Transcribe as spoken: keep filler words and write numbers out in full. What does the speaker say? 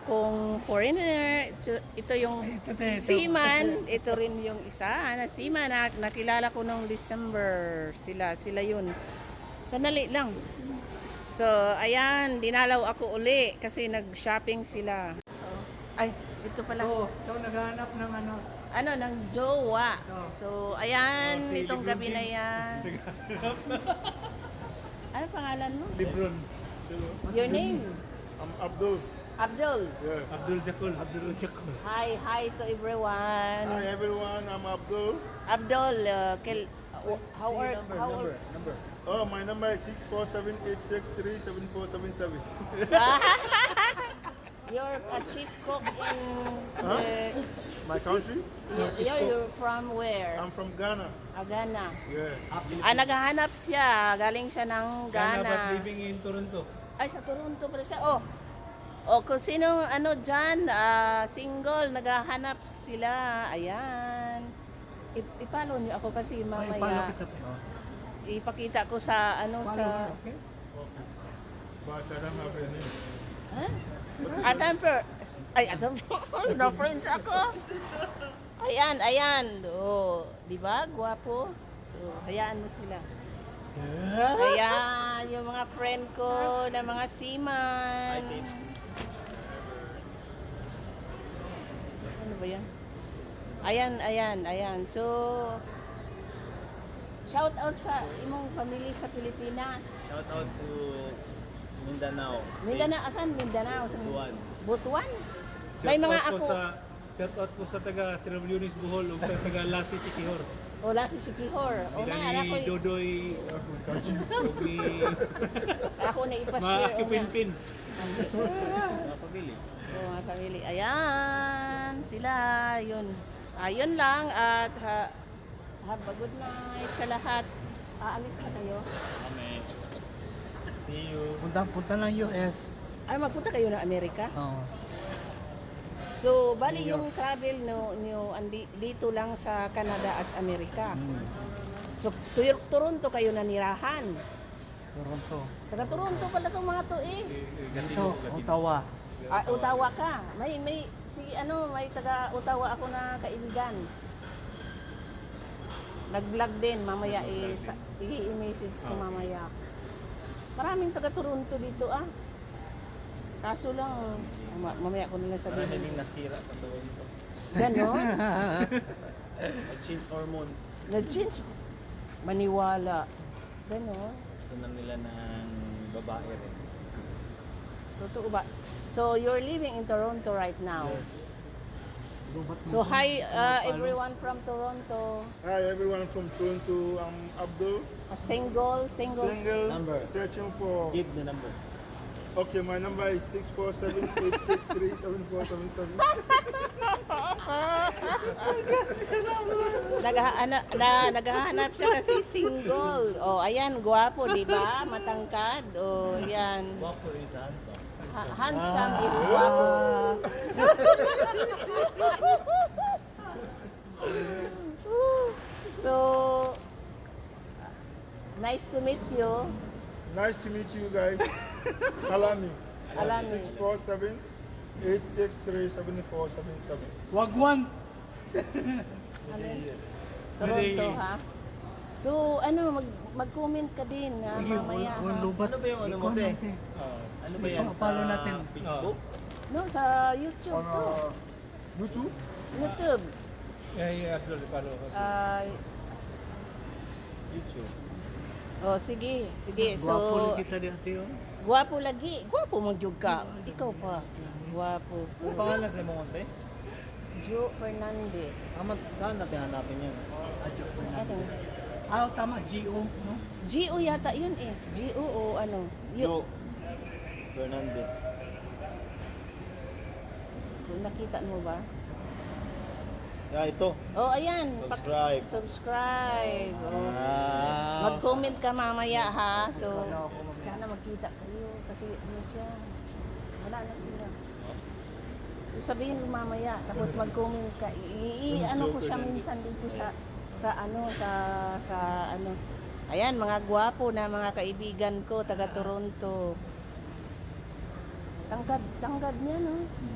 akong foreigner. Ito, ito yung seaman. Ito rin yung isa na seaman na nakilala ko nung December. Sila, sila yun. Sandali lang. So, ayan, dinalaw ako uli kasi nag-shopping sila. Oh. Ay, ito pala. Oo, ikaw naghahanap ng ano. Ano, ng jowa. Oh. So, ayan, Oh, si itong Lebron gabi na James. yan. Ano pangalan mo? Lebron. Your name? I'm Abdul. Abdul. Yeah. Abdul Jakul. Abdul Jakul. Hi, hi to everyone. Hi everyone, I'm Abdul. Abdul, uh, kel, uh, how are number, how number, are, number. Oh, my number is six four seven eight six three seven four seven seven. You're a chief cook in Huh? the, My country? you're, you're from where? I'm from Ghana. Agana. Yeah. Ah, naghahanap siya. Galing siya ng Ghana but Ghana. living in Toronto. Ay, sa Toronto pala siya. Oh, oh kung sino ano dyan, ah, single, naghahanap sila. Ayan. I- ipalo niyo ako kasi Ay, follow mamaya. kita tayo. Ipakita ko sa ano Follow sa... kita, okay? Okay. But I don't have any. Ha? Adam per... Ay, Adam na friends ako. Ayan, ayan. Oh, di ba? Gwapo. So, hayaan mo sila. Ayan, yung mga friend ko na mga seaman. Ano ba yan? Ayan, ayan, ayan. So, shout out sa imong pamilya sa Pilipinas. Shout out to Mindanao. Mindanao, asan Mindanao? Sa Butuan. Butuan? May mga Shout out ako. po sa shout out po sa taga Sierra Leone's Bohol ug sa taga Lassi Sikihor. Wala si Sikihor. O na, Ila ako, ni Dodoy ug ni ako na ipashare. mga kipinpin. Napabili. So, mga family. Ayan, sila. Yun. Ayun lang. At ha, have a good night sa lahat. Aalis na kayo. Kami. See you. Punta, punta ng U S. Ay, magpunta kayo ng Amerika. Oo. So, bali yung travel no, nyo andi, dito lang sa Canada at Amerika. Hmm. So, tu- Toronto kayo nanirahan. Toronto. Taga Toronto pala itong mga to eh. Dito, Ottawa. Ah, Ottawa ka. May may si ano, may taga Ottawa ako na kaibigan. Nag-vlog din mamaya eh, sa- i-message ko mamaya. Maraming taga Toronto dito ah. Kaso lang ma- mamaya ko nila Parang sabihin. naging nasira sa Toronto. Ganon. Nag-change hormones. Nag-change. Maniwala. Ganon. Gusto na nila ng babae rin. Totoo ba? So you're living in Toronto right now. Lubat mo So to. hi uh, Follow. everyone from Toronto. Hi everyone from Toronto. I'm Abdul. A single, single. Single. Number. Searching for. Give the number. Okay, my number is six four seven eight six three seven four seven seven. Naghahanap na naghahanap siya kasi single. Oh, ayan, gwapo, 'di ba? Matangkad. Oh, ayan. Wapo is handsome. Ha- handsome is gwapo. So nice to meet you. Nice to meet you guys. Alami. Alami. Six four seven eight six three seven four seven seven. Wagwan. Ano? Toronto, ha? So, ano, mag, mag-comment ka din ha, Sige, mamaya. wag- wag ha? lubat. Ano ba yung ano mo, Ikaw te? natin. Ano ba yan? Follow sa natin. Facebook? No, sa YouTube On to. uh, YouTube? YouTube. Kay Abdul follow. Ah, YouTube. oh, sige, sige. Gwapo So, lang kita di ate oh. gwapo lagi. Gwapo mo jud ka. Ikaw pa. Gwapo. Ano pangalan sa imong konti? Joe Fernandez. Tama, saan natin hanapin yan? Adyo po na. Ano? Ah, tama, G O, no? G O yata yun eh. G O o ano? Joe Fernandez. Yung nakita mo ba? Yeah, ito. Oh, ayan. Subscribe. Subscribe. Oh. Ah. Mag-comment ka mamaya ha. So, Kala ko mag- sana magkita kayo kasi ano siya. Wala na sila. So sabihin mo mamaya tapos mag-comment ka. I, i- ano ko siya minsan dito sa sa ano sa sa ano. Ayan, mga gwapo na mga kaibigan ko taga Toronto. Tangkad, tangkad niya no.